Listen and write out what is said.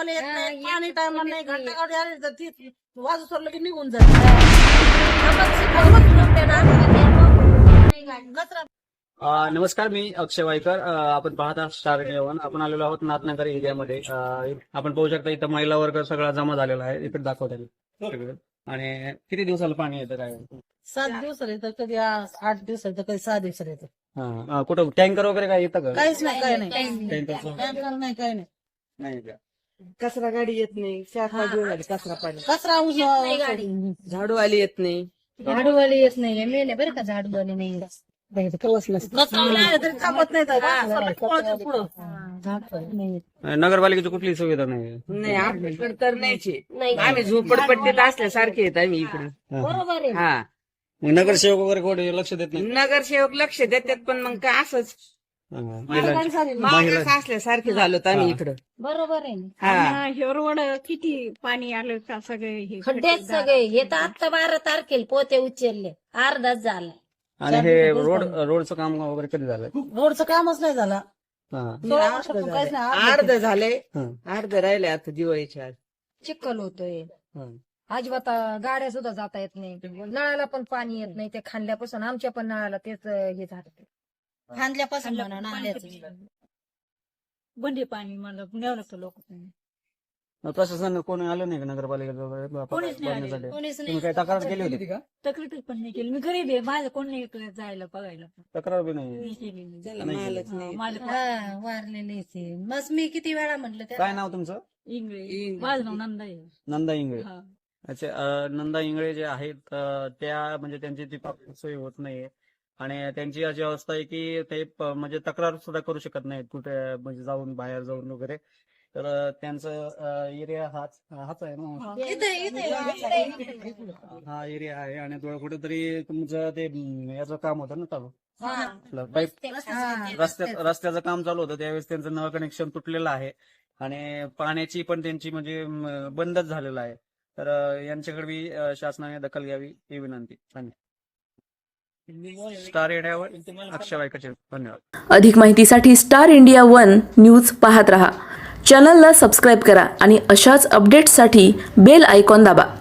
पाणी येत नाही, पाणी टायमाला नाही, घंटा गाडी आली तर ती वाजू सोडलं की निघून जाते. नमस्कार, मी अक्षय वायकर. आपण पाहता स्टार इंडिया 1. आपण आलेलो आहोत नाथनगर एरियामध्ये. आपण पाहू शकता इथं महिला वर्ग सगळा जमा झालेला आहे. इकडे दाखवतात सगळं. आणि किती दिवसाला पाणी येतं काय? 7 दिवसाला येतं, कधी 8 दिवसाला येतं, कधी 6 दिवसाला येतं. कुठं टँकर वगैरे काय येतं का? काहीच नाही, काही नाही, टँकरचं टँकर नाही, काही नाही. नाही का? कचरा गाडी येत नाही, 4-5 दिवस झाले कचरा पाणी. कचरा झाडूवाली येत नाही. झाडूवाली येत नाही, मेले बरं का झाडूवाली नाही. कचरा नाही तरी थांबत नाही तर पुढं. नगरपालिकेची कुठली सुविधा नाही. नाही आपल्याकडे तर नाहीचे. आम्ही झोपडपट्टीत असल्यासारखे आहेत आम्ही इकडे. बरोबर आहे. हा, मग नगरसेवक वगैरे कोणी लक्ष देत नाही. नगरसेवक लक्ष देतात पण मग काय असंच महिलांची- मागास असल्यासारखे झालो आम्ही इकडं. बरोबर आहे. हा, हे रोड किती पाणी आलं का सगळे हे खड्डेच सगळे हे तर आता 12 तारखेला पोते उचलले, अर्धाच झाला. आणि हे रोडचं काम वगैरे कधी झालं? रोडचं कामच नाही झालं. हा. 16 वर्षापासून काहीच नाही. अर्ध झालंय, हं. अर्ध राहिले आता दिवाळीच्या आज. चिखल होतोय हं. अजिबात गाड्या सुद्धा जाता येत नाही, नळाला पण पाणी येत नाही. ते खांदल्यापासून आमच्या पण नळाला तेच हे झालं. खांदल्यापासून म्हणा नाल्याचं. बंदे पाणी मला न्यावं लागतं लोक. मग प्रशासन कोणी आलं नाही का नगरपालिकेचं वगैरे कोणीच नाही आले. बघण्यासाठी? कोणीच तुम्ही नाही. काही तक्रार केली होती का? तक्रार पण नाही केली. मी गरीब आहे, माझं कोण नाही इकडे जायला बघायला. तक्रार बी नाही. मी केली नाही. त्याला नाही मालच नाही. माझं हा, वारलेले ते. मग मी किती वेळा म्हटलं काय त्या नाव तुमचं? इंग्रज माझं नाव नंदा आहे. नंदा इंगळे. हा. अच्छा, नंदा इंगळे जे आहेत त्या म्हणजे त्यांची ती सोय होत नाहीये आणि त्यांची अशी अवस्था आहे की ते म्हणजे तक्रार सुद्धा करू शकत नाहीत कुठे म्हणजे जाऊन बाहेर जाऊन वगैरे. तर त्यांचं एरिया हाच आहे ना. हा एरिया आहे आणि कुठेतरी तुमचं ते याचं काम होतं ना चालू, पाईप रस्त्याचं काम चालू होतं त्यावेळेस त्यांचं नळ कनेक्शन तुटलेलं आहे आणि पाण्याची पण त्यांची म्हणजे बंदच झालेलं आहे. तर यांच्याकडे बी शासनाने दखल घ्यावी ही विनंती. स्टार इंडियावर अक्षय वायकर. धन्यवाद. अधिक माहितीसाठी स्टार इंडिया 1 न्यूज पाहत रहा. चॅनलला सबस्क्राईब करा आणि अशाच अपडेट्ससाठी बेल आयकॉन दाबा.